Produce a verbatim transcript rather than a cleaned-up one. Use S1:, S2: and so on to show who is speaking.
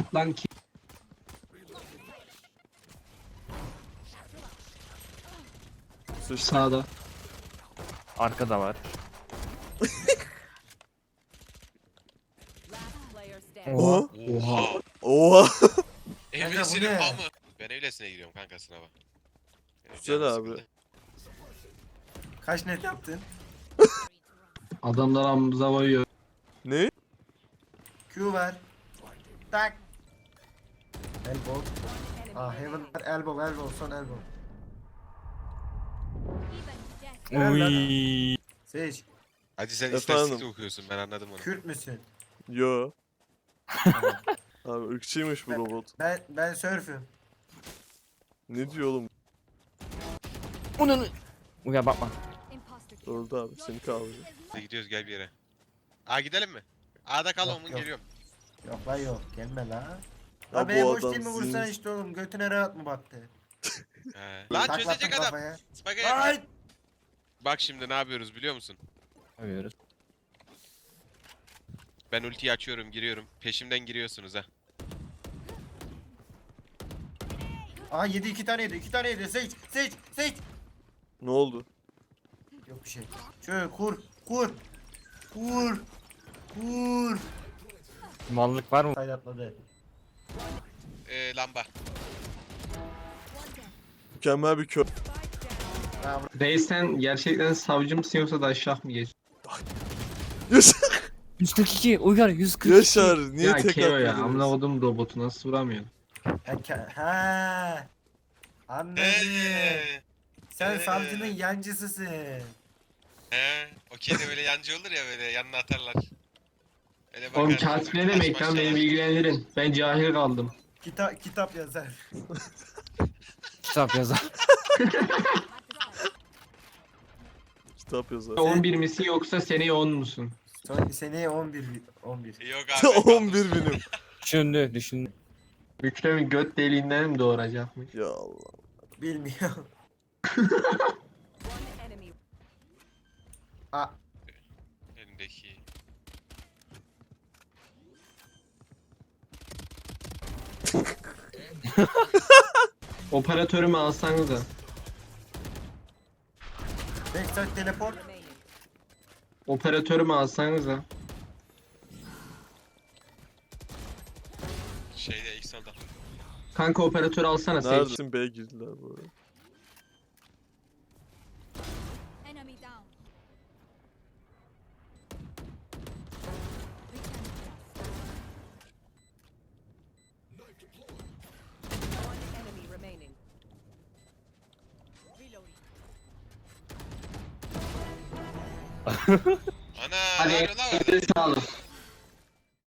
S1: Lan ki.
S2: Sıçtı.
S1: Sağda.
S3: Arkada var.
S2: Oha.
S1: Oha.
S2: Oha.
S4: Evlesinin
S5: ne?
S4: hamı. Ben evlesine giriyorum kanka sınava. Benim
S2: Güzel
S4: canım
S2: abi.
S4: sıkıldı.
S5: Kaç net yaptın?
S1: Adamlar amımıza koyuyor.
S2: Ne?
S5: Q ver. Tak. Elbow. Ah heaven var. Elbow elbow son elbow.
S3: Uy.
S5: Sage.
S4: Hacı sen
S2: Efendim?
S4: istatistik okuyorsun, ben anladım onu.
S5: Kürt müsün?
S2: Yo. Abi ırkçıymış bu robot.
S5: Ben ben sörfüm.
S2: Ne diyor oğlum?
S3: Onu. Uya bakma.
S2: Öldü abi seni kaldırıyor.
S4: Hadi gidiyoruz, gel bir yere. Aa gidelim mi? A'da kal
S5: Yok,
S4: oğlum,
S5: yok.
S4: geliyorum.
S5: Yok lan yok. Gelme la.
S2: Ya
S5: Abi
S2: bu
S5: boş değil mi
S2: adam
S5: vursana
S2: zin-
S5: işte oğlum. Götüne rahat mı baktı?
S4: He. Lan
S5: Taklattın
S4: çözecek adam.
S5: kafaya.
S4: Spike yap.
S5: Ay!
S4: Bak şimdi ne yapıyoruz biliyor musun?
S3: Yapıyoruz.
S4: Ben ultiyi açıyorum, giriyorum. Peşimden giriyorsunuz ha.
S5: Aa yedi iki tane yedi. iki tane yedi. Sage Sage Sage.
S2: Ne oldu?
S5: Yok bir şey. Şöyle kur kur. Kur. Kur.
S3: Mallık var mı?
S5: Sayı atladı.
S4: Ee, lamba.
S2: Mükemmel bir kö...
S5: Ha,
S1: Reis sen gerçekten savcı mısın yoksa da aşağı mı geç?
S2: Yaşar.
S3: yüz kırk iki. Uygar yüz kırk iki.
S2: Yaşar niye
S1: Ya
S2: tek
S1: Keo ya amına
S2: atmadınız?
S1: kodum robotu nasıl vuramıyor?
S5: Ha, ke- ha. Anladım.
S4: Eee.
S5: Sen
S4: Ee.
S5: savcının yancısısın.
S4: He. Okey de böyle yancı olur ya, böyle yanına atarlar. Öyle
S1: Oğlum
S4: bakar,
S1: katip ne
S4: taş
S1: demek lan beni
S4: başlar.
S1: bilgilendirin. Ben cahil kaldım.
S5: Kitap kitap yazar.
S3: Kitap yazar.
S2: Kitap yazar.
S1: on bir misin yoksa seneye on musun?
S5: Son seneye on bir on bir.
S4: Yok abi.
S2: on bir binim.
S3: Düşündü düşündü.
S1: Mükremin göt deliğinden mi doğuracakmış?
S2: Ya Allah.
S5: Bilmiyorum. Aa,
S4: Elimdeki.
S1: Operatörümü alsanız da.
S5: backside teleport.
S1: Operatörümü alsanız da.
S4: Şeyde ilk solda.
S1: Kanka operatörü alsana Sage.
S2: Neredesin? B'ye girdiler bu arada.
S6: Enemy down. One enemy remaining. Reloading.
S4: Ana,
S1: Hadi
S4: ne yapıyor lan orada?
S1: elinize sağlık.